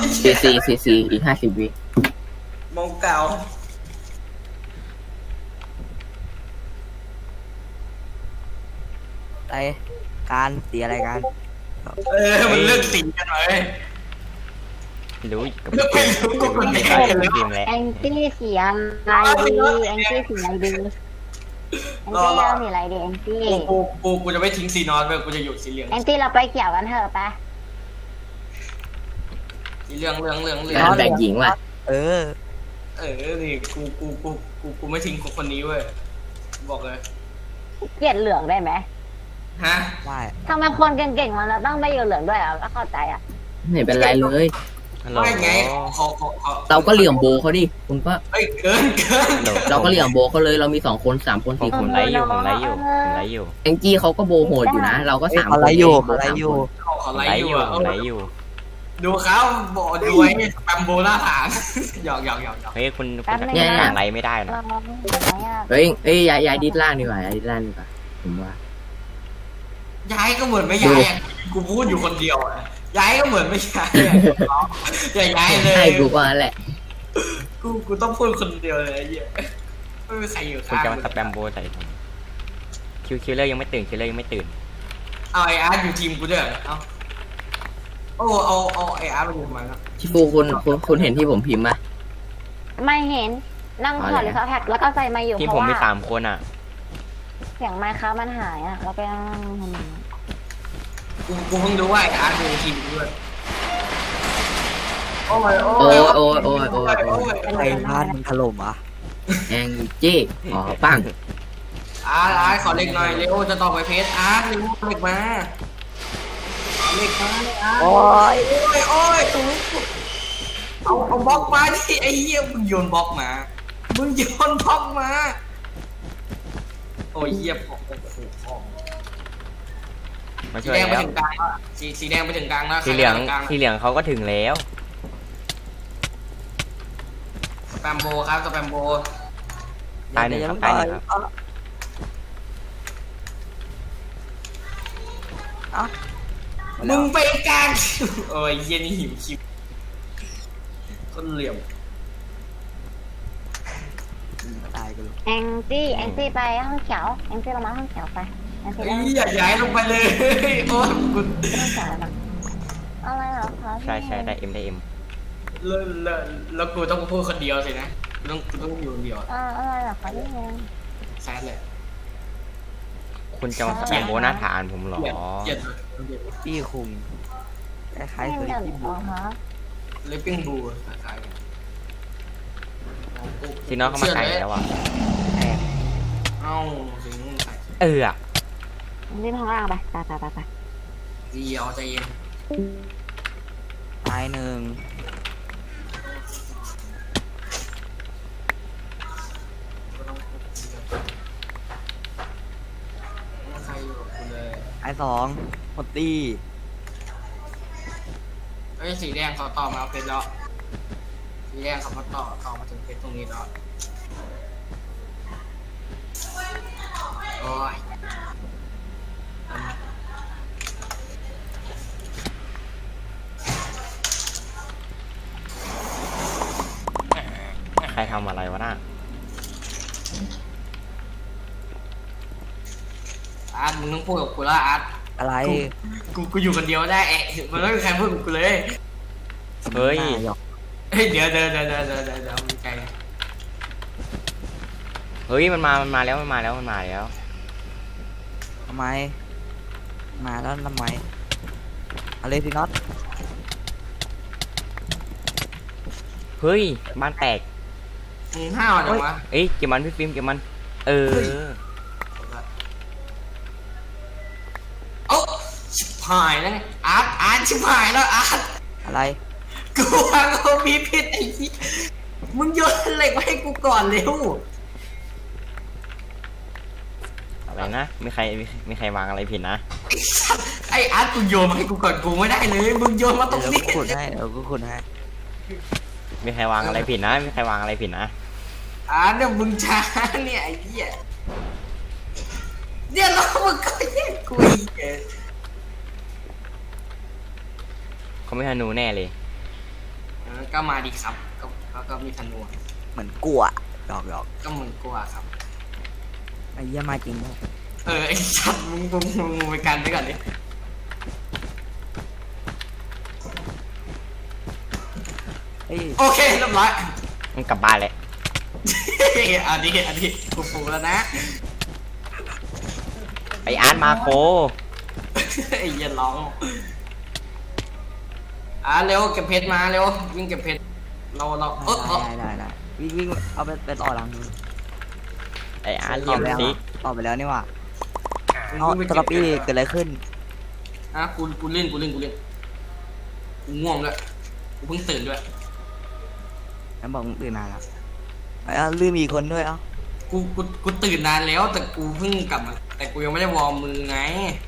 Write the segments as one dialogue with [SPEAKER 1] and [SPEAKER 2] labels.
[SPEAKER 1] สี่อีก50 วิ
[SPEAKER 2] มองเก่า
[SPEAKER 3] อะไรการสีอะไรกัน
[SPEAKER 2] มันเลือกสีกันเลย
[SPEAKER 4] รู้กับ
[SPEAKER 2] เลือกไม่รู้ก็คนไหนกันเลย
[SPEAKER 4] ทีมแล้ว
[SPEAKER 5] แองจี้สีอะไรดีแองจี้สีอะไรดีแองจี้เราสีอะไรดีแองจี้
[SPEAKER 2] กูจะไม่ทิ้งสีนอนไปกูจะอยู่สีเหลือง
[SPEAKER 5] แองจี้เราไปเกี่ยวกันเถอะไป
[SPEAKER 2] สีเหลือง
[SPEAKER 1] งานแต่งหญิงว่ะ
[SPEAKER 3] เออ
[SPEAKER 2] นี่กูไม่ทิ้งคนนี้เว้ยบอกเลย
[SPEAKER 5] เกลียดเหลืองได้ไหม
[SPEAKER 2] ฮะ
[SPEAKER 3] ได้
[SPEAKER 5] ทำไมคนเก่งๆมันเราต้องไปอยู่เหลืองด้วยอ่ะก็เข้าใจอ่ะ
[SPEAKER 1] ไม่เป็นไรเลย
[SPEAKER 4] ฮัลโหล
[SPEAKER 2] ไม่ไงเขา
[SPEAKER 1] เราก็เหลี่ยมโบเขาดิคุณก็
[SPEAKER 2] เฮ้ยเกิน
[SPEAKER 4] ฮัลโหล
[SPEAKER 1] เราก็เหลี่ยมโบเขาเลยเรามี2 คน 3 คน
[SPEAKER 4] ผม
[SPEAKER 1] 4 คน
[SPEAKER 4] ไลฟ์อยู่ผมไลฟ์อยู่ผมไลฟ์อยู่
[SPEAKER 1] แองจี้เขาก็โบโหดอยู่นะ เราก็
[SPEAKER 3] เอ้ย
[SPEAKER 1] 3
[SPEAKER 3] อะไร
[SPEAKER 1] คน
[SPEAKER 3] อยู่
[SPEAKER 1] โบ
[SPEAKER 3] อะไร
[SPEAKER 1] สาม
[SPEAKER 3] อยู่
[SPEAKER 1] คน
[SPEAKER 2] เขา
[SPEAKER 4] ผม
[SPEAKER 2] ไล่
[SPEAKER 4] ไลฟ์
[SPEAKER 2] อ
[SPEAKER 4] อยู่ ยู่ผมไลฟ์อยู่
[SPEAKER 2] ดูเขาบอกดูไอ้แปมโบหน้าผางหยอก
[SPEAKER 4] เฮ้ยคุณสั่งไลฟ์ไม่ได้นะ
[SPEAKER 5] เราไหนอ่ะ
[SPEAKER 1] เฮ้ยย้ายดิสล่างดีกว่าย้ายดิสล่างดีกว่าผมว่า
[SPEAKER 2] ย้ายก็เหมือนไม่ย้ายกูพูดอยู่คนเดียวย้ายก็เหมือนไม่ย้ายอย่าย้ายเลย
[SPEAKER 1] ใช่กูว่านั่นแหละ
[SPEAKER 2] กูต้องพูดคนเดียวเลยไอ้เหี้ยไม่มีใครอยู่
[SPEAKER 4] คุณ
[SPEAKER 2] ข้าง
[SPEAKER 4] จะมาสแปมโบใส่ผมคิวเลอร์ยังไม่ตื่นคิวเลอร์ยังไม่ตื่น
[SPEAKER 2] เอาไออาร์ตอยู่ทีมกูด้วยเอาไออาร์ตมาอยู่ทำไมครับ
[SPEAKER 1] ชิฟูคุณเห็นที่ผมพิมพ์ป่ะ
[SPEAKER 5] ไม่เห็นนั่งถอดหรือเขาแท็กแล้วก็ใส่มาอยู่
[SPEAKER 4] ที่
[SPEAKER 5] เพ
[SPEAKER 4] ผม
[SPEAKER 5] ราะ
[SPEAKER 4] มี
[SPEAKER 5] ว่า
[SPEAKER 4] 3 คนอ่ะ
[SPEAKER 5] เสียงไมค์ค้ามันหายอ่ะเราไปนั่งทำไม
[SPEAKER 2] กูเพิ่งรู้ว่าไออาร์ตอยู่ทีมกูด้วยโอ้ย
[SPEAKER 3] ไอ้บ้านมันถล่มอ่ะ
[SPEAKER 1] แองจี้อ๋อปัง
[SPEAKER 2] อาร์ตขอเล็กหน่อยเร็วจะต่อไปเพจอาร์ตเร็วเล็กมาเล็กมาอาร์ต
[SPEAKER 3] โอ้ย
[SPEAKER 2] โอ้ยเอาบล็อกมาดิไอ้เหี้ยมึงโยนบล็อกมาโอ้ยเหี้ยโอ้โห
[SPEAKER 4] มา
[SPEAKER 2] สี
[SPEAKER 4] ช่วย
[SPEAKER 2] แดงไป
[SPEAKER 4] แล้ว
[SPEAKER 2] ถึงกลางแล้วสีแดงไปถึงกลางแล้ว
[SPEAKER 4] สีเหลือง
[SPEAKER 2] กลาง
[SPEAKER 4] สีเหลืองเขาก็ถึงแล้ว
[SPEAKER 2] สแปมโบครับสแปมโบ
[SPEAKER 4] ตายหนึ่งครับตายหนึ่งครับ
[SPEAKER 3] เอ้า
[SPEAKER 2] มึงไปกลางโอ้ยเย็นหิวคิวคนเหลี่ยม
[SPEAKER 3] ตายกันเลย
[SPEAKER 5] แองจี้ไปห้องเขียวแองจี้เรามาห้องเขียวไปแองจี้
[SPEAKER 2] ไอ้
[SPEAKER 5] เรา
[SPEAKER 2] อย่าย้ายลงไปเลยโอ้ยกู
[SPEAKER 5] ห้องเขียวนะอะไรเหรอคะ
[SPEAKER 4] ใช่ได้เอ็ม
[SPEAKER 2] แล้วกูต้องพูดคนเดียวสินะกูต้องอยู่คนเดียว
[SPEAKER 5] อะไรเหรอคะนี่เอง
[SPEAKER 2] แซดเลย
[SPEAKER 4] คุณจะมาสแปมโบหน้าฐานผมเหรอ
[SPEAKER 2] เกลียด
[SPEAKER 3] พี่คุงคล้ายๆเคย
[SPEAKER 5] เดี๋ยว
[SPEAKER 3] ที่บุ
[SPEAKER 5] อ๋อฮะ
[SPEAKER 2] เลปปิ้งบูคล้ายๆกัน
[SPEAKER 4] ซีน้องเขามาไกลแล้วอ่ะ
[SPEAKER 3] แอบ
[SPEAKER 2] เอ้าสิงใส่
[SPEAKER 4] อะ
[SPEAKER 5] รีบข้างล่างไปไป
[SPEAKER 2] ดีเอาใจเย็น
[SPEAKER 3] ตายหนึ่ง
[SPEAKER 2] ใครอยู่กับกูเลย
[SPEAKER 3] ไอ้2หมดตี
[SPEAKER 2] เฮ้ยสีแดงเขาต่อมาเอาเพชรแล้วสีแดงเขามาต่อมาถึงเพชรตรงนี้แล้วโอ้ย
[SPEAKER 4] ใครทำอะไรวะน่ะ
[SPEAKER 2] อาร์ตมึงต้องพูดกับกูแล้วอาร์ต
[SPEAKER 3] อะไร
[SPEAKER 2] กูอยู่คนเดียวได้มันไม่มีใครพูดกับกูเลย
[SPEAKER 4] เฮ้ย
[SPEAKER 3] น่าหยอก
[SPEAKER 2] เฮ้ยเดี๋ยวมึงใจ
[SPEAKER 4] เฮ้ยมันมาแล้ว
[SPEAKER 3] ทำไม มาแล้วทำไมอะไรสิน็อต
[SPEAKER 4] เฮ้ยบ้านแตก
[SPEAKER 2] มึงห้าวจังวะ
[SPEAKER 4] เอ้ยเก็บมันพี่ฟิล์มเก็บมัน เออ
[SPEAKER 2] โอ้ชิบหายแล้วอาร์ตชิบหายแล้วอาร์ต
[SPEAKER 3] อะไร
[SPEAKER 2] กูวางเอามีผิดไอ้ที่มึงโยนเหล็กมาให้กูก่อนเร็ว
[SPEAKER 4] อะไรนะมีใครวางอะไรผิดนะ
[SPEAKER 2] ไอ้อาร์ตกูโยนมาให้กูก่อนกูไม่ได้เลยมึงโยนมาตรง
[SPEAKER 3] เดี๋ยว
[SPEAKER 2] นี้
[SPEAKER 3] กูขุดให้
[SPEAKER 4] มีใครวางอะไรผิดนะมีใครวางอะไรผิดนะ
[SPEAKER 2] อาร์ตเนี่ยมึงช้าเนี่ยไอ้เหี้ยเนี่ยแล้วมึงก็แย่งกูอีก
[SPEAKER 4] เขาไม่ฮานูแน่เลย
[SPEAKER 2] ก็มาดีครับก็มีธนู
[SPEAKER 3] เหมือนกลัวหยอก
[SPEAKER 2] ก็เหมือนกลัวครับ
[SPEAKER 3] ไอ้เหี้ยมาจริงด้วย
[SPEAKER 2] ไอ้ชัดมึงไปกันไปก่อนดิ
[SPEAKER 3] เฮ้ย
[SPEAKER 2] โอเคเรียบร้อย
[SPEAKER 4] มันกลับบ้านเลย
[SPEAKER 2] อันนี้กูฟูแล้วนะ
[SPEAKER 4] ไออาร์ตมาโค
[SPEAKER 2] ไอ้เหี้ยร้องเร็วเก็บเพชรมาเร็ววิ่งเก็บเพชรเรา
[SPEAKER 3] ได้วิ่งเอาไปต่อหลังนู้น
[SPEAKER 4] ไออาร์ตเหลี่ยมซิก
[SPEAKER 3] ต่อไปแล้วนี่หว่าเอาตลอปี้เกิดอะไรขึ้น
[SPEAKER 2] กูเล่นกูง่วงด้วยกูเพิ่งตื่นด้วย
[SPEAKER 3] แล้วบอกมึงตื่นนานแล้วลืมอีกคนด้วย
[SPEAKER 2] กูตื่นนานแล้วแต่กูเพิ่งกลับมาแต่กูยังไม่ได้วอร์มมือไง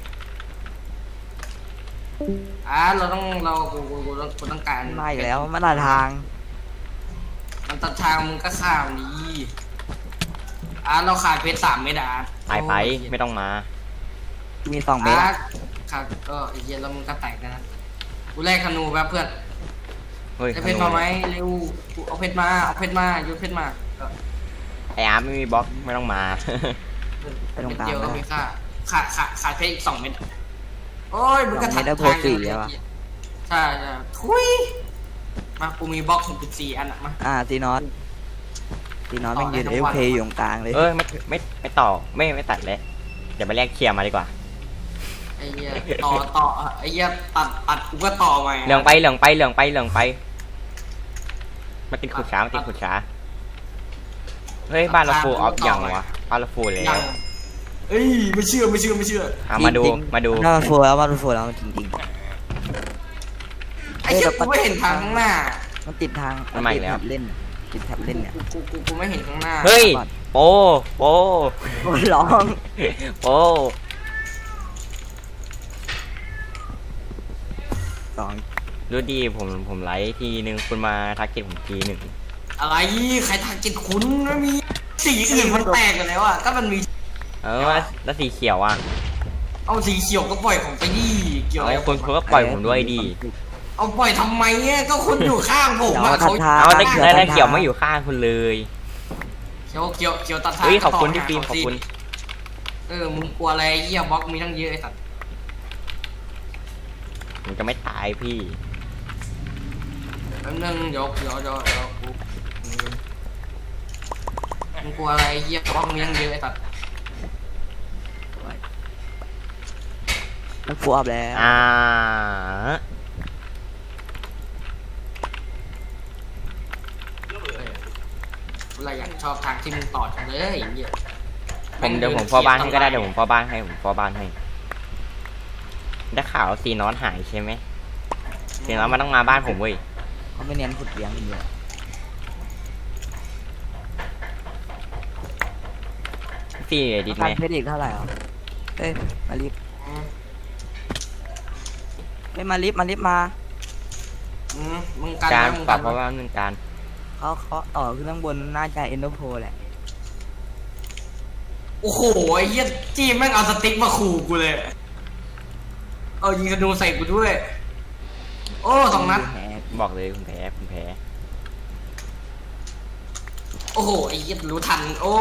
[SPEAKER 2] เราต้องการ
[SPEAKER 3] มาอีกแล้วมาตัดทาง
[SPEAKER 2] มันตัดทางมึงก็ข้ามนี้เราขาดเพชร3 เม็ด
[SPEAKER 4] ไปไม่ต้องมา
[SPEAKER 3] มี2 เมตร
[SPEAKER 2] ครับก็ไอ้เหี้ยแล้วมึงก็แตกนะกูแลกธนูแป๊บเพื่อน
[SPEAKER 4] เฮ้ย
[SPEAKER 2] ได้เพชรมาไหมเร็วกูเอาเพชรมาโยนเพชรมา
[SPEAKER 4] ไออาร์ตไม่มีบล็อกไม่ต้องมา
[SPEAKER 3] ไปตรงกลาง
[SPEAKER 2] เดียวก็มีค่าขาดเพชรอีก2 เม็ดโอ้ยมึงก็
[SPEAKER 3] 2 เมตรได้โพสีแล้วะ
[SPEAKER 2] ใช่ทุยมากูมีบล็อก64 อันมา
[SPEAKER 3] ซีนอตแม่งยืนเอฟเคอยู่ตรงกลางเลย
[SPEAKER 4] ไม่ต่อไม่ตัดเลยเดี๋ยวไปแลกเคลียร์มาดีกว่า
[SPEAKER 2] ไอ้เหี้ยต่อไอ้เหี้ยตัดกูก็ต่อใหม่
[SPEAKER 4] เหลืองไปมาติดขุดช้าเฮ้ยบ้านเราฟูลออฟยังวะบ้านเราฟูลแล้ว
[SPEAKER 2] เอ้ยไม่เชื่อ
[SPEAKER 4] มาดู
[SPEAKER 3] น่าฟูแล้วจริง
[SPEAKER 2] ไอ้เหี้ยกูไม่เห็นทางข้างหน้า
[SPEAKER 3] ๆมันติดทางติดแท็บเล่นเนี่ย
[SPEAKER 2] กูไม่เห็นข้างหน้า
[SPEAKER 4] เฮ้ยโป
[SPEAKER 3] โอ้ยร้อง
[SPEAKER 4] โป
[SPEAKER 3] 2
[SPEAKER 4] ดูดีผมไลฟ์ทีนึงคุณมาทักเก็ตผมทีหนึ่ง
[SPEAKER 2] อะไรใครทางจิตคุณไม่มีสีอื่นมันแตกกันแล้วก็มันมี
[SPEAKER 4] แล้วสีเขียวอ่ะ
[SPEAKER 2] เอาสีเขียวก็ปล่อยของไปดิเกี่ยวอะไร
[SPEAKER 4] คุณก็ปล่อยผมด้วยดี
[SPEAKER 2] เอาปล่อยทำไมก็คุณอยู่ข้างผมเขา
[SPEAKER 4] เอาได้เขียวไม่อยู่ข้างคุณเลย
[SPEAKER 2] เขียวตัดทาง
[SPEAKER 4] เฮ้ยขอบคุณพี่ฟิล์มขอบคุณ
[SPEAKER 2] มึงกลัวอะไรเหี้ยบล็อกมีทั้งเยอะไอ้สัตว์
[SPEAKER 4] ผมจะไม่ตายพี่
[SPEAKER 2] แป๊บนึงเดี๋ยวมึงกลัวอะไรเหี้ยบล็อกมีทั้งเยอะไอ้สัตว์
[SPEAKER 3] มันฟูอัพแล้ว
[SPEAKER 2] อะไรอยากชอบทางที่มึงต่อจังเลยเหี้ย
[SPEAKER 4] เดี๋ยวผมพ่อบ้านให้ก็ได้ผมพ่อบ้านให้ได้ข่าวซีนอนหายใช่ไหมซีนอนมันต้องมาบ้านผมเว้ย
[SPEAKER 3] เขาไม่เน้นขุดเลี้ยงกันเยอะ
[SPEAKER 4] ซีดิสไหม
[SPEAKER 3] เพชรอีกเท่าไหร่เอ้ยมาลิฟมาลิฟมา
[SPEAKER 2] มึงกัน
[SPEAKER 4] การปรับเพราะว่าหนึ่งการ
[SPEAKER 3] เขาต่อขึ้นข้างบนน่าจะเอ็นโดโพแหละ
[SPEAKER 2] โอ้โหไอ้เหี้ยจีแม่งเอาสติ๊กมาขู่กูเลยเอายิงธนูใส่กูด้วยโอ้2 นัด
[SPEAKER 4] บอกเลยคุณแพ้
[SPEAKER 2] โอ้โหไอ้เหี้ยรู้ทันโอ้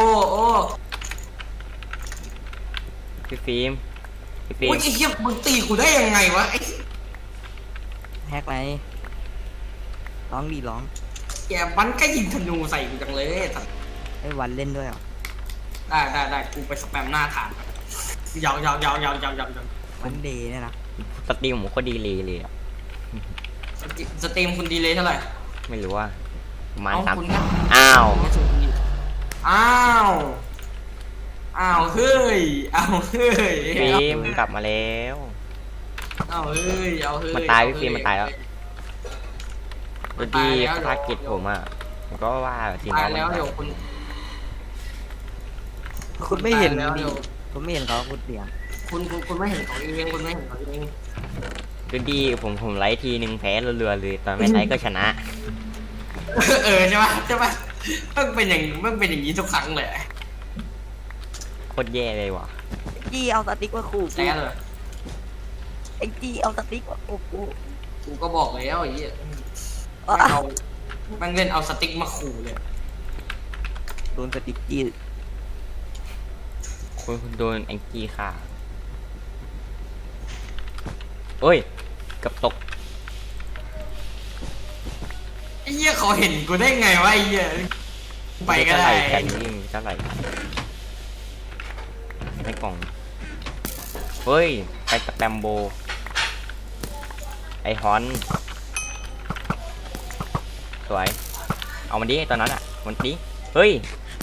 [SPEAKER 4] พี่ฟิล์ม
[SPEAKER 2] โอ้ยไอ้เหี้ยมึงตีกูได้ยังไงวะไอ้
[SPEAKER 3] แฮกไหมร้อง
[SPEAKER 2] แกมันก็ยิงธนูใส่กูจังเลยสัตว์
[SPEAKER 3] ไอ้วันเล่นด้วย
[SPEAKER 2] ได้กูไปสแปมหน้าฐานยาว
[SPEAKER 3] วันเดย์เนี่ยนะ
[SPEAKER 4] สตรีมผมก็ดีเลยอ่ะ
[SPEAKER 2] สตรีมคุณดีเลยเท่าไหร่
[SPEAKER 4] ไม่รู้ว่าประมาณ
[SPEAKER 2] คุณ
[SPEAKER 4] อ้าว
[SPEAKER 2] เฮ้ย
[SPEAKER 4] ฟิล์มกลับมาแล้ว
[SPEAKER 2] เฮ้ย
[SPEAKER 4] มันตายพี่ฟิล์มมันตายแล้วดูดีภารกิจผมอ่ะผมก็ว่าซีนอน
[SPEAKER 2] แล้วเดี๋ยว
[SPEAKER 3] คุณไม่เห็นดิคุณไม่เห็นเขาขุดเลี้ยง
[SPEAKER 2] คุณไม่เห็นของเองคุณไม่เห็นของเอง
[SPEAKER 4] ดูดีผมไลฟ์ทีนึงแพ้เรือเลยตอนไม่ไลฟ์ก็ชนะ
[SPEAKER 2] ใช่ปะมันเป็นอย่างนี้ทุกครั้งเลย
[SPEAKER 4] โคตรแย่เลยว่ะ
[SPEAKER 3] จี้เอาสติ๊กมาขู่
[SPEAKER 2] แล้เลย
[SPEAKER 3] ไอ้จี้เอาสติ๊กมาขู่กู
[SPEAKER 2] ก็บอกแล้วไอ้เหี้ยแม่งเล่นเอาสติ๊กมาขู่เลย
[SPEAKER 3] โดนสติ๊กจี้
[SPEAKER 4] คุณโดนแองกี้ค่ะเอ้ยกับตก
[SPEAKER 2] ไอ้เหี้ยเขาเห็นกูได้ไงวะไอ้เหี้ยไปก็ได้
[SPEAKER 4] แผ่นนี้เท่าไหร่ในกล่องเฮ้ยไปสแปมโบไอฮอนสวยเอามันดิตอนนั้นอ่ะมันดิเฮ้ย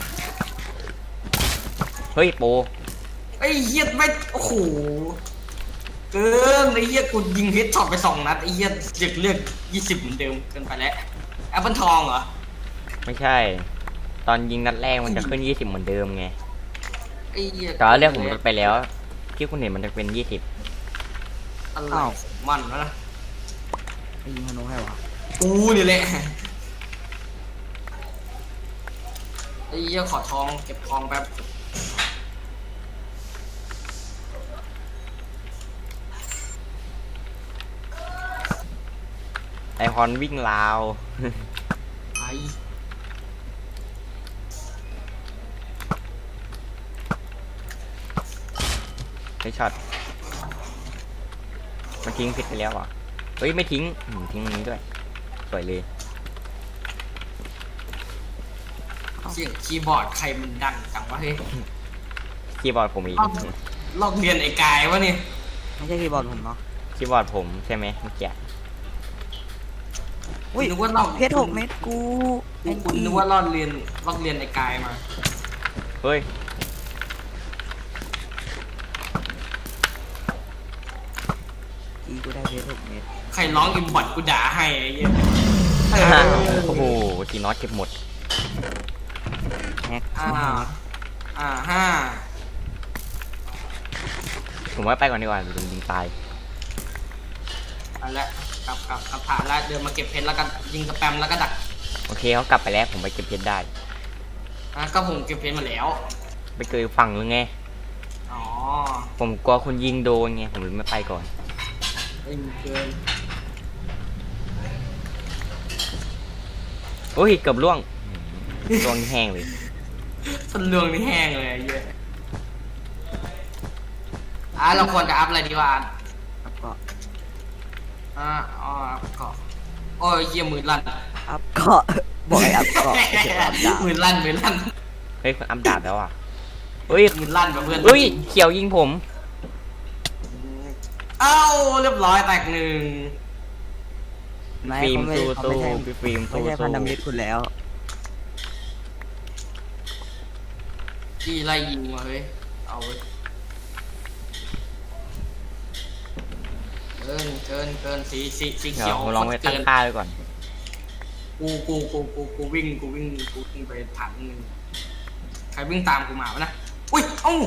[SPEAKER 4] โป
[SPEAKER 2] ไอ้เหี้ยไม่โอ้โหเกินไอ้เหี้ยกูยิงเฮดช็อตไป2 นัดไอ้เหี้ยเลือก20เหมือนเดิมเกินไปแล้วแอปเปิลทองเหรอ
[SPEAKER 4] ไม่ใช่ ตอนยิงนัดแรกมันจะขึ้น20เหมือนเดิมไง
[SPEAKER 2] ไอ้เหี้ย
[SPEAKER 4] แต่ว่าเรื่องผมลดไปแล้วที่คุณเห็นมันจะเป็น20
[SPEAKER 2] อะไรของมันวะนะ
[SPEAKER 3] ไม่ยิงธนูให้วะ
[SPEAKER 2] กูนี่แหละไอ้เหี้ยขอทองเก็บทองแป๊บ
[SPEAKER 4] ไอฮอนวิ่งราว
[SPEAKER 2] ไอ้
[SPEAKER 4] ไอช็อตมันทิ้งผิดไปแล้วอ่ะเฮ้ยไม่ทิ้งทิ้งอันนี้ด้วยสวยเลย
[SPEAKER 2] เสียงคีย์บอร์ดใครมันดังจังวะเฮ้ย
[SPEAKER 4] คีย์บอร์ดผมอีก
[SPEAKER 2] ลอกเรียนไอ้กายวะเนี่ย
[SPEAKER 3] ไม่ใช่คีย์บอร์ดผมเนาะ
[SPEAKER 4] คีย์บอร์ดผมใช่ไหมเมื่อกี้
[SPEAKER 3] อุ้ย
[SPEAKER 2] นึกว่าลอก
[SPEAKER 3] เพชร6 เม็ดกูแอง
[SPEAKER 2] กู
[SPEAKER 3] จี้
[SPEAKER 2] นึกว่าลอกเรียนไอ้กายมา
[SPEAKER 4] เฮ้ย
[SPEAKER 3] จี้กูได้เพชร6 เม็ด
[SPEAKER 2] ใครร้องอิมบอดกูด่าให้ไอ้เหี้ย
[SPEAKER 4] โอ้โหทีน็อตเก็บหมด
[SPEAKER 3] แฮก
[SPEAKER 2] ห้า
[SPEAKER 4] ผมว่าไปก่อนดีกว่าโดนยิงตาย
[SPEAKER 2] อันละกลับผ่านแล้วเดินมาเก็บเพชรแล้วก็ยิงสแปมแล้วก็ดัก
[SPEAKER 4] โอเคเขากลับไปแล้วผมไปเก็บเพชรได้
[SPEAKER 2] ก็ผมเก็บเพชรมาแล้ว
[SPEAKER 4] ไปเกยฝั่งหรือไง
[SPEAKER 2] อ๋อ
[SPEAKER 4] ผมกลัวคุณยิงโดนไงผมเลยไม่ไปก่อน
[SPEAKER 2] เอ้ยเกิน
[SPEAKER 4] โอ้ยเกือบล่วงล่วงแห้งเลย
[SPEAKER 2] ส้นเรืองนี่แห้งเลยไอ้เหี้ยเราควรจะอัพอะไรดีวะ
[SPEAKER 3] แล้วก็
[SPEAKER 2] อัพเกาะโอ้ยเหี้ยมือลั่น
[SPEAKER 3] อัพเกาะบอกให้อัพเกาะไม่ใช่อัพดาบ
[SPEAKER 2] มือลั่น
[SPEAKER 4] เฮ้ยคุณอัพดาบแล้วอ่ะเฮ้ย
[SPEAKER 2] มือลั่นกับเพื่อน
[SPEAKER 4] เฮ้ยเขียวยิงผม
[SPEAKER 2] เอ้าเรียบร้อยแตกหนึ่ง
[SPEAKER 3] ไม่
[SPEAKER 4] ฟิล์ม
[SPEAKER 3] เขาไม่
[SPEAKER 4] สู้
[SPEAKER 3] ใช่
[SPEAKER 4] พี่ฟิล์ม
[SPEAKER 3] ไม่
[SPEAKER 4] สู้
[SPEAKER 3] ใช่พันธมิตรคุณแล้ว
[SPEAKER 2] ที่ไล่ยิงมาเฮ้ยเอาเว้ยเกินสี
[SPEAKER 4] เดี๋
[SPEAKER 2] เขี
[SPEAKER 4] ย
[SPEAKER 2] ยว ว
[SPEAKER 4] ผมลองไป
[SPEAKER 2] เกิ
[SPEAKER 4] ตั้ง
[SPEAKER 2] น
[SPEAKER 4] ค่าไว้ก่อน
[SPEAKER 2] กูวิ่งไปถังหนึ่งใครวิ่งตามกูมาวะนะอุ้ยเอ้า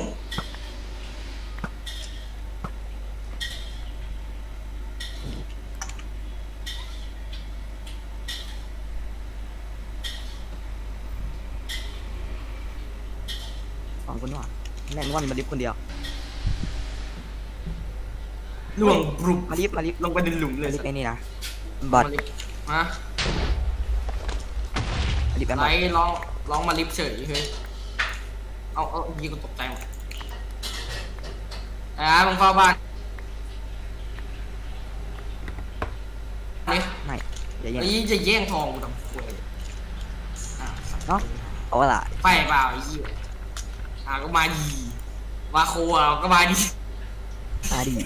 [SPEAKER 3] สองคนว่ะแม่งวันมาลิฟต์คนเดียว
[SPEAKER 2] ล่วงบรุบ
[SPEAKER 3] มาลิฟต์
[SPEAKER 2] ลงไปในหลุมเล
[SPEAKER 3] มาย ลิฟต์ไอ้นี่นะบ
[SPEAKER 2] มา
[SPEAKER 3] อด
[SPEAKER 2] ลิฟต์มา
[SPEAKER 3] มาลิฟต์แอมบ
[SPEAKER 2] ไล่
[SPEAKER 3] อด
[SPEAKER 2] ร้องมาลิฟต์เฉยเฮ้ยเอายิงกูตกใจหมดมึงเข้าบ้านนี่
[SPEAKER 3] ไม่อย่าแย่ง
[SPEAKER 2] ไอ้ยี่จะแย่งทองกูทำควย
[SPEAKER 3] เนาะเอาละ
[SPEAKER 2] ไปเปล่าไอ้ยี่ก็มาดีมาโคก็มาดี
[SPEAKER 3] อาดี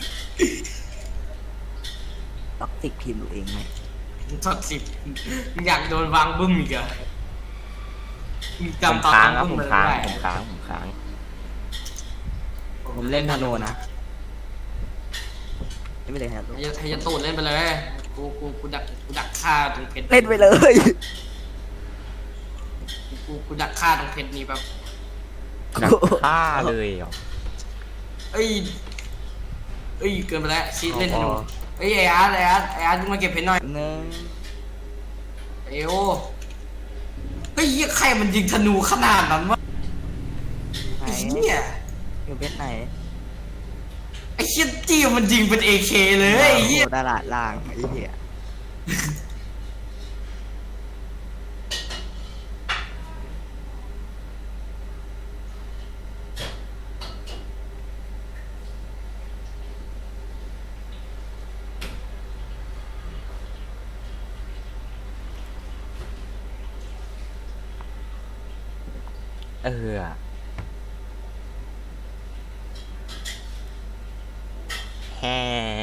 [SPEAKER 3] ต็อกติกพิมพ์ตัวเองไหม
[SPEAKER 2] ช็อต10มึงอยากโดนวางบึ้มอีกเหรอมึง
[SPEAKER 4] ผม
[SPEAKER 2] จำตอน
[SPEAKER 4] ค้าง
[SPEAKER 2] ว
[SPEAKER 4] ครับ
[SPEAKER 2] บึ้
[SPEAKER 4] ผม
[SPEAKER 2] เลย
[SPEAKER 4] ค้าง
[SPEAKER 2] ได้
[SPEAKER 4] ผมค้าง
[SPEAKER 3] ผมเล่นธนูนะไม่เลยครับ
[SPEAKER 2] ให้ยตูดเล่นไปเลยกูดักฆ่าตรงเพชร
[SPEAKER 3] เล่นไปเลย
[SPEAKER 2] กูดักฆ่าตรงเพชรนี้แบบ
[SPEAKER 4] ดักฆ่าเลยเหรอ
[SPEAKER 2] เอ้ยเกินไปแล้วชีสเล่นธนูไอ้อาร์ตมาเก็บเพชรหน่อย
[SPEAKER 3] หนึ่ง
[SPEAKER 2] เอวเฮ้ยใครมันยิงธนูขนาดนั้นวะ
[SPEAKER 3] ไหน
[SPEAKER 2] ไอ้เหี้ย
[SPEAKER 3] อยู่เพชรไหน
[SPEAKER 2] ไอ้เหี้ยจี้มันยิงเป็น AK เลยไอ้เหี้ย
[SPEAKER 3] ตลาดล่างไอ้เหี้ย
[SPEAKER 4] เออแฮ่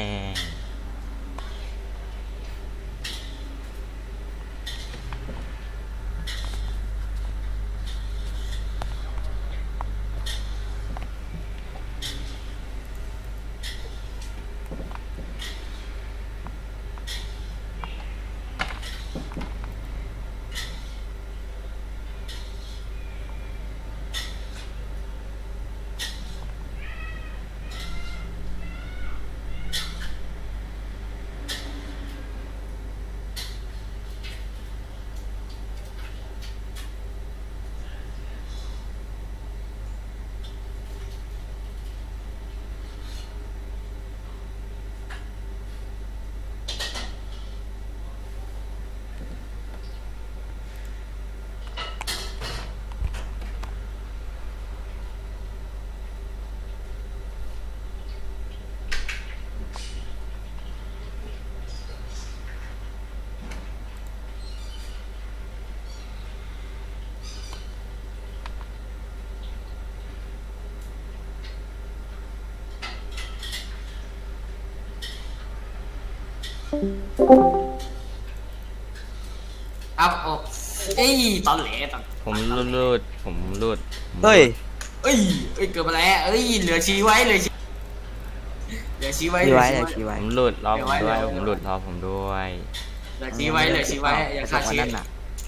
[SPEAKER 2] อัพโอ้เอ้ยตอนแหลตอน
[SPEAKER 4] ผมรูดผมรูด
[SPEAKER 3] เฮ้ย
[SPEAKER 2] เอ้ยเกิดมาแล้วเอ้ยเหลือชี้ไว้เหลือชี้ไว้
[SPEAKER 3] ชี้ไว้เลยชี้
[SPEAKER 4] ผ
[SPEAKER 3] ไว้
[SPEAKER 4] มรูดรอผมด้วยผมรูดรอผมด้วย
[SPEAKER 2] เหลือชี้ไว้อย่าฆ่าชี้
[SPEAKER 3] นั่นน่ะ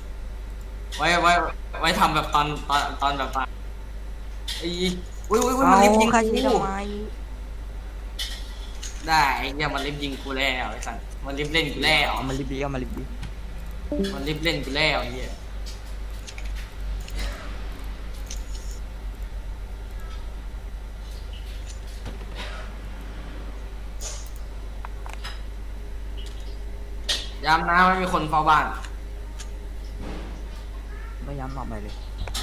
[SPEAKER 2] ไว้ทำแบบตอนแบบตอนไอ้อุ้ยมัน
[SPEAKER 3] เอา
[SPEAKER 2] ลิฟต์ยิง
[SPEAKER 3] ฆ่าชี้
[SPEAKER 2] กู
[SPEAKER 3] ทำไม
[SPEAKER 2] ได้ไอ้เนี่ยมันลิฟต์ยิงกูแล้วไอ้สัสมันลิฟต์เล่นกูแล้ว
[SPEAKER 3] เอามาลิบดีเอามาลิบดี
[SPEAKER 2] มันลิฟต์เล่นกูแล้วไอ้เหี้ยย้ำนะไม่มีคนเฝ้าบ้าน
[SPEAKER 3] ไม่ย้ำออกไปเลย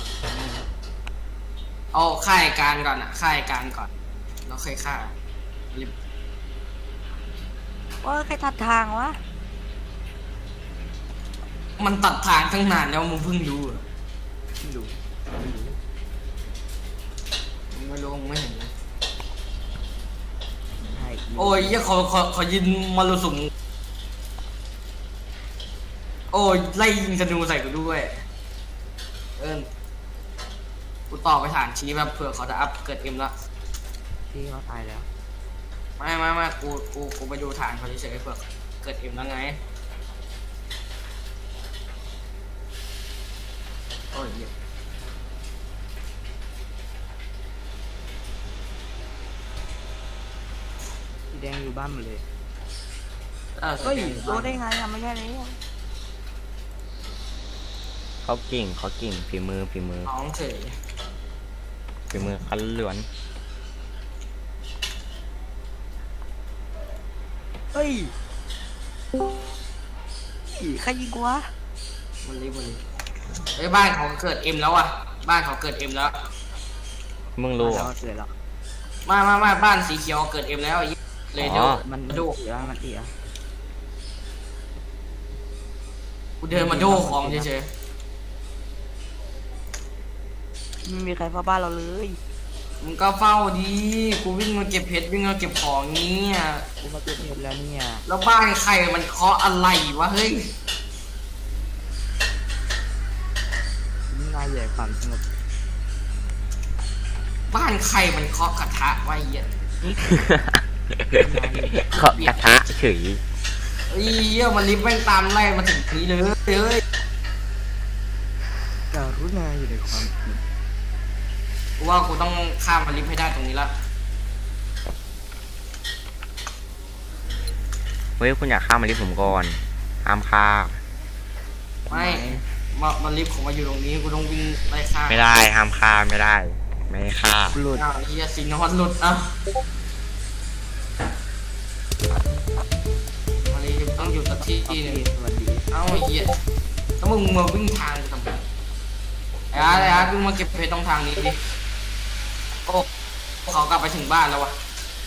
[SPEAKER 2] เอาค่ายการก่อนอะค่ายการก่อนแล้วค่อยฆ่าลิฟต์
[SPEAKER 3] ว่าใครทัดทางวะ
[SPEAKER 2] มันตัดทางตั้งนานแล้วมึงเพิ่งรู้เหรอ
[SPEAKER 3] ดู
[SPEAKER 2] มึงไม่รู้มึงไม่เห็นเลย
[SPEAKER 3] ให้
[SPEAKER 2] โอ้ยเหี้ยขอยินมารุสุมโอ้ยไล่ยิงธนูใส่กูด้วยกูต่อไปฐานชี้แบบเผื่อเขาจะอัพเกิดเอ็มละ
[SPEAKER 3] ที่เขาตายแล้ว
[SPEAKER 2] ไม่กูไปดูฐานเขาเฉยๆเผื่อเกิดเอ็มแล้วไงโอ้ยเหี้ย
[SPEAKER 3] สีแดงอยู่บ้านหมดเลย
[SPEAKER 2] เฮ้
[SPEAKER 3] เฮ้ย
[SPEAKER 2] ย
[SPEAKER 3] รู้ได้ไงอะไม่ใช่เลย
[SPEAKER 4] เขาเก่งฝีมือ
[SPEAKER 2] น้องเฉย
[SPEAKER 4] ฝีมือคันล้วน
[SPEAKER 3] เฮ้ยใครยิงกูวะ
[SPEAKER 2] มันรีบเฮ้ยบ้านเขาเกิดเอ็มแล้วอ่ะบ้านเขาเกิดเอ็มแล้ว
[SPEAKER 4] มึงรู้เหร
[SPEAKER 3] แล้
[SPEAKER 4] อ
[SPEAKER 3] วเสร็จแล้ว
[SPEAKER 2] มาบ้านสีเขียวเกิดเอ็มแล้วไอ้เหี้ยเลยเดี๋ยว
[SPEAKER 4] อ๋อ
[SPEAKER 3] มัน
[SPEAKER 2] โด
[SPEAKER 3] เสียมันเสีย
[SPEAKER 2] กูเดินมาโดของเฉย
[SPEAKER 3] ไม่มีใครเฝ้าบ้านเราเลย
[SPEAKER 2] ๆมึงก็เฝ้าดีกูวิ่งมาเก็บเพชรวิ่งมาเก็บของนี้อ่ะ
[SPEAKER 3] กูมาเกิดเหตุแล้วเนี่ย
[SPEAKER 2] แล้วบ้านใครมันเคาะอะไรวะเฮ้ย
[SPEAKER 3] นี่นายใหญ่ความสงบ
[SPEAKER 2] บ้านใครมันเคาะกระทะไว้เหี้ย
[SPEAKER 4] ขอบกระทะเฉย
[SPEAKER 2] เฮ้ยเหี้ยมันลิฟต์แม่งตามไล่มาถึงนี้เลยเฮ้ย
[SPEAKER 3] การุณาอยู่ในความผิด
[SPEAKER 2] กูว่ากูต้องข้ามมันลิฟต์ให้ได้ตรงนี้ละ
[SPEAKER 4] เฮ้ยคุณอยากฆ่ามาลิผมก่อนห้ามฆ่า
[SPEAKER 2] ไม่มันลิฟต์ของมาอยู่ตรงนี้กูต้องวิ่งไล่ฆ่า
[SPEAKER 4] ไม่ได้ห้ามฆ่าไม่ได้ ไม่ให้ฆ่า
[SPEAKER 3] หลุด
[SPEAKER 2] อ้าวเฮียสิงห์นวัดหลุดอ่ะมาลีต้องอยู่สักที่หนึง
[SPEAKER 3] สวัสดี
[SPEAKER 2] เอ้าไอ้เฮียแล้วมึงมาวิ่งทางกูทำไมไอ้อาร์ตวิ่งมาเก็บเพชรตรงทางนี้ดิโอ้เขากลับไปถึงบ้านแล้ววะ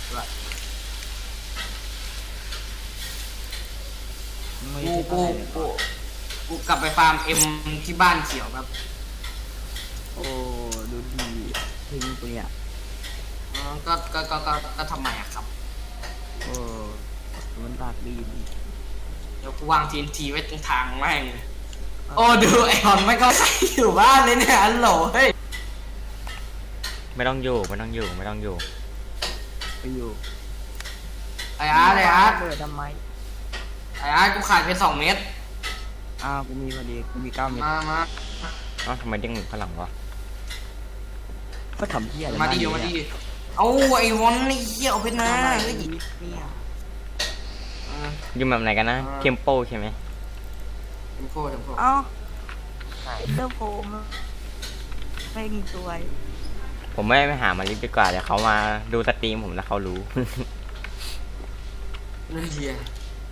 [SPEAKER 3] ไม่
[SPEAKER 2] กู
[SPEAKER 3] ใช่
[SPEAKER 2] กู
[SPEAKER 3] อะไรเลย
[SPEAKER 2] กูกูกลับไปฟาร์มเอ็มที่บ้านเขียวครับ
[SPEAKER 3] โอ้ยทิ้งกูเนี่ย
[SPEAKER 2] ก็ทำไมอะครับ
[SPEAKER 3] โอ้มันปากดี
[SPEAKER 2] เดี๋ยวกูวาง TNT ไว้ตรงทางแม่งเลยโอ้ดูไอ้หอนไม่เข้าใครอยู่บ้านเลยเนี่ยอันโหลเฮ้ย
[SPEAKER 4] ไม่ต้องอยู่ไม่ต้องอยู่ไม่ต้องอยู่
[SPEAKER 3] ไปอยู่
[SPEAKER 2] ไอ้อาร์ตไอ้อาร์ต
[SPEAKER 3] เปิดทำไม
[SPEAKER 2] ไอ้อาร์ตกูขาดไป2 เม็ด
[SPEAKER 3] อ้าวกูมีพอดีกูมี9 เม็ด
[SPEAKER 2] มา
[SPEAKER 4] เอ้าทำไมเด้งข้างหลังวะ
[SPEAKER 3] ก็ทำเพี้ยอะไร
[SPEAKER 2] มาดิเดี๋ยวมาดิเอาไอ้วอนไอ้เหี้ยเอาเพชรมาเฮ้ย
[SPEAKER 3] เนี่ย
[SPEAKER 4] อยู่แบบไหนกันนะ
[SPEAKER 2] อ่า
[SPEAKER 4] เทมโปใช่ไหม
[SPEAKER 2] เทมโพ
[SPEAKER 3] เอ้าเจ้าโฟมเร่งสวย
[SPEAKER 4] ผมไม่ไปหามาลิฟต์ดีกว่าเดี๋ยวเขามาดูสตรีมผมแล้วเขารู้
[SPEAKER 2] นั่นเหี้ย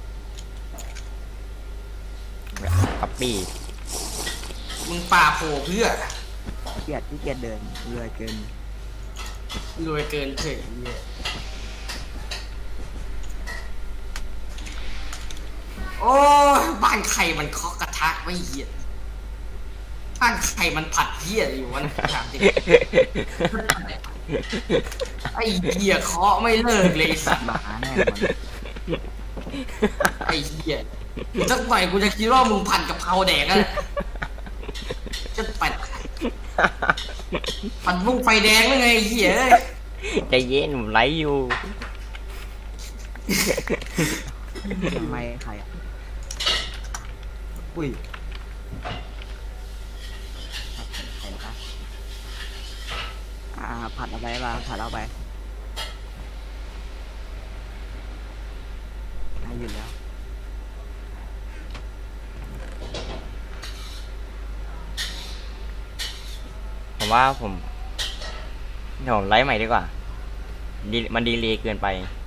[SPEAKER 4] คัปปี้
[SPEAKER 2] มึงป่าโผล่เพื่อ
[SPEAKER 3] เกียดที่เกียดเดินเรือเกิน
[SPEAKER 2] รวยเกินเฉยเหี้ยโอ้ยบ้านใครมันเคาะกระทะไม่เหี้ยบ้านใครมันผัดเหี้ยอะไรอยู่วะนะถามจริง ไอ้เหี้ยเคาะไม่เลิกเลยไอ้สัตว์
[SPEAKER 3] หมาแน่นอน
[SPEAKER 2] ไอ้เหี้ยสักหน่อยกูจะคิดว่ามึงผัดกับเพราแดกอะจะปัดผัดพุ่งไฟแดงหรือไงไอ้เหี้ยเอ้ย
[SPEAKER 4] ใจเย็นผมไลฟ์อยู่
[SPEAKER 3] ทำไมใครอ่ะอุ้ยใครนะคะผัดเอาไปมาผัดเอาไปได้อยู่แล้ว
[SPEAKER 4] ผมว่าผมเดี๋ยวผมไลฟ์ใหม่ดีกว่ามันดีเลยเกินไป